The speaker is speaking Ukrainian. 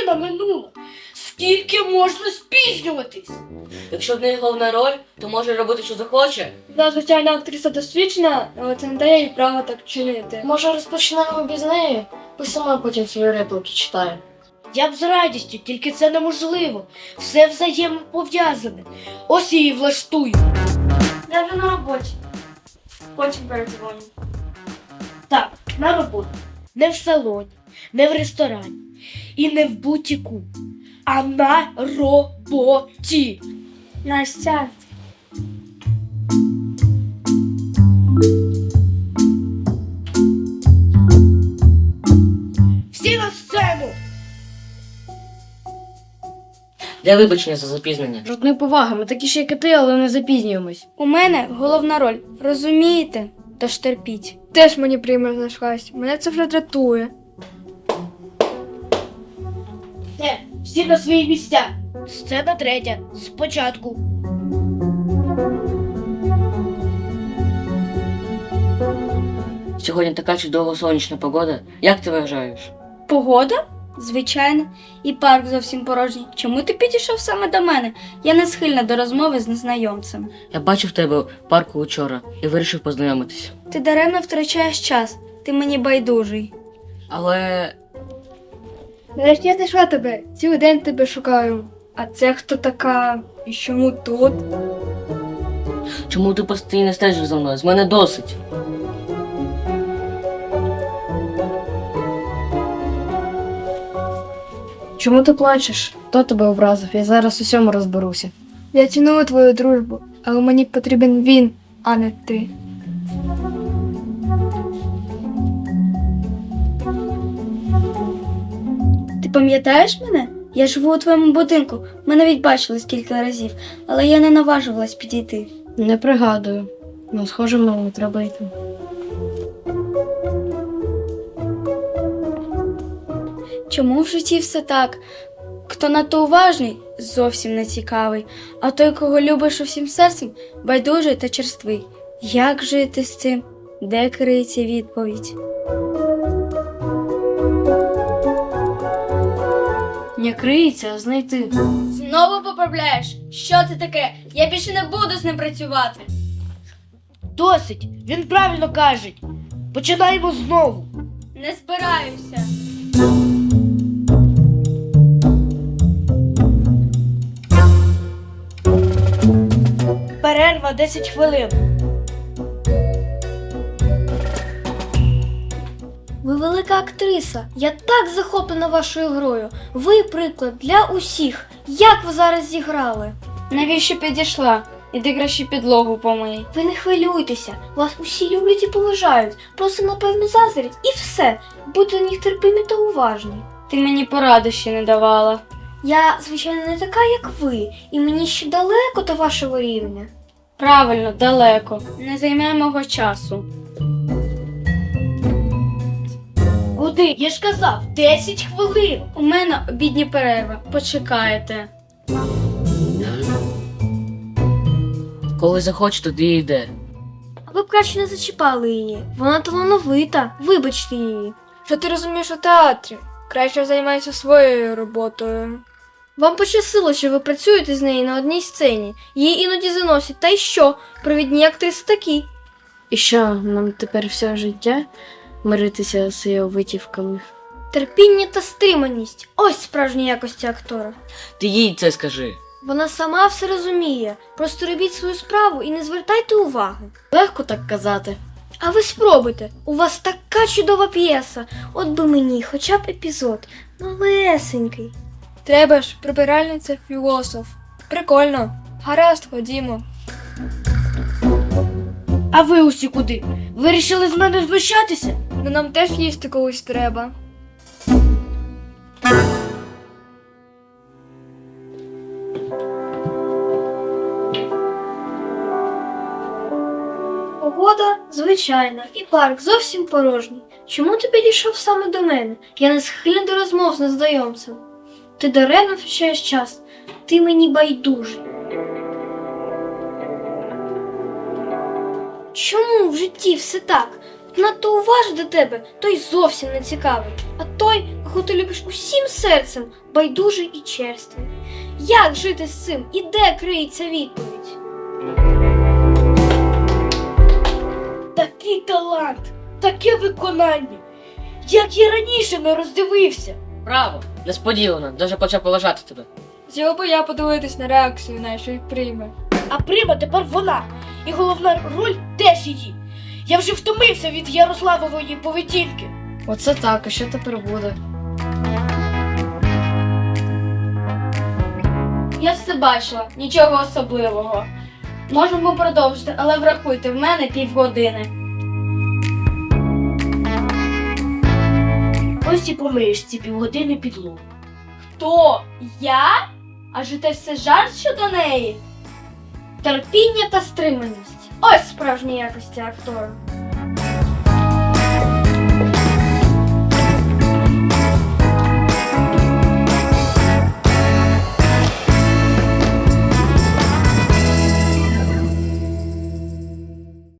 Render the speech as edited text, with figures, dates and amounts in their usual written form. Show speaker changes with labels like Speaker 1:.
Speaker 1: година минула. Скільки можна спізнюватись?
Speaker 2: Якщо в неї головна роль, то може робити, що захоче.
Speaker 3: Да, звичайно, актриса досвідчена, але це не дає їй права так чинити.
Speaker 4: Може, розпочнемо без неї? Бо сама потім свої репліки читає.
Speaker 1: Я б з радістю, тільки це неможливо. Все взаємопов'язане. Ось її влаштую.
Speaker 3: Я вже на роботі. Потім передзвоню.
Speaker 1: Так, на роботу. Не в салоні, не в ресторані і не в бутіку, а на роботі.
Speaker 3: Настя.
Speaker 1: Всі на сцену!
Speaker 2: Для вибачення за запізнення.
Speaker 4: Жодної поваги, ми такі ж, як і ти, але не запізнюємось.
Speaker 3: У мене головна роль. Розумієте? Тож терпіть. Теж мені прийме знайшлась. Мене це вже дратує.
Speaker 1: Все, всі на свої місця. Сцена третя. Спочатку.
Speaker 2: Сьогодні така чудова сонячна погода. Як ти вважаєш?
Speaker 3: Погода? Звичайно. І парк зовсім порожній. Чому ти підійшов саме до мене? Я не схильна до розмови з незнайомцем.
Speaker 2: Я бачив тебе в парку вчора і вирішив познайомитись.
Speaker 3: Ти даремно втрачаєш час. Ти мені байдужий.
Speaker 2: Але
Speaker 3: Нарешті я знайшла тебе. Цілий день тебе шукаю. А це хто така? І чому тут?
Speaker 2: чому ти постійно стежиш за мною? З мене досить.
Speaker 4: Чому ти плачеш? Хто тебе образив? Я зараз у всьому розберуся.
Speaker 3: Я ціную твою дружбу, але мені потрібен він, а не ти. Ти пам'ятаєш мене? Я живу у твоєму будинку. Ми навіть бачились кілька разів, але я не наважувалась підійти.
Speaker 4: Не пригадую. Ну, схоже, мені треба йти.
Speaker 3: Чому в житті все так? Хто надто уважний, зовсім не цікавий, а той, кого любиш усім серцем, байдужий та черствий. Як жити з цим? Де криється відповідь?
Speaker 4: Не криється, а знайти.
Speaker 3: Знову поправляєш? Що це таке? Я більше не буду з ним працювати.
Speaker 1: Досить, він правильно каже. Починаємо знову.
Speaker 3: Не збираюся.
Speaker 1: Перерва 10 хвилин.
Speaker 3: Ви велика актриса. Я так захоплена вашою грою. Ви приклад для усіх. Як ви зараз зіграли? Навіщо підійшла? Іди краще підлогу помий. Ви не хвилюйтеся. Вас усі люблять і поважають. Просто, напевно, заздрять. І все. Будьте до них терпимі та уважні. Ти мені поради ще не давала. Я, звичайно, не така, як ви. І мені ще далеко до вашого рівня. Правильно, далеко. Не займе мого часу.
Speaker 1: Куди? Я ж казав, 10 хвилин.
Speaker 3: У мене обідня перерва. Почекайте.
Speaker 2: Коли захоче, тоді й йде.
Speaker 3: А ви б краще не зачіпали її. Вона талановита. Вибачте її. Що ти розумієш у театрі? Краще займайся своєю роботою. Вам пощастило, що ви працюєте з нею на одній сцені. Її іноді заносять. Та й що? Провідні актриси такі.
Speaker 4: І що, нам тепер все життя миритися з її витівками?
Speaker 3: Терпіння та стриманість. Ось справжні якості актора.
Speaker 2: Ти їй це скажи.
Speaker 3: Вона сама все розуміє. Просто робіть свою справу і не звертайте уваги.
Speaker 4: Легко так казати.
Speaker 3: А ви спробуйте. У вас така чудова п'єса. От би мені хоча б епізод. Малесенький. Треба ж, прибиральниця філософ. Прикольно. Гаразд, ходімо.
Speaker 1: А ви усі куди? Вирішили з мене знущатися?
Speaker 3: Ну нам теж їсти колись треба. Погода звичайна, і парк зовсім порожній. Чому ти підійшов саме до мене? Я не схильна до розмов з незнайомцем. Ти даремно втрачаєш час. Ти мені байдужий. Чому в житті все так? Надто уважний до тебе, той зовсім не цікавий. А той, яку ти любиш усім серцем, байдужий і черствий. Як жити з цим і де криється відповідь?
Speaker 1: Такий талант, таке виконання. Як я раніше не роздивився.
Speaker 2: Браво! Несподівано, даже почав поважати тебе.
Speaker 5: Хотіла би я подивитись на реакцію нашої прийми.
Speaker 1: А Прима тепер вона. І головна роль теж її. Я вже втомився від Ярославової поведінки.
Speaker 4: Оце так, а що тепер буде?
Speaker 3: Я все бачила, нічого особливого. Можемо продовжити, але врахуйте, в мене півгодини.
Speaker 1: Ось і помиєш ці півгодини підлогу.
Speaker 3: Хто? Я? Адже це все жарт щодо неї? Терпіння та стриманість. Ось справжні якості актора.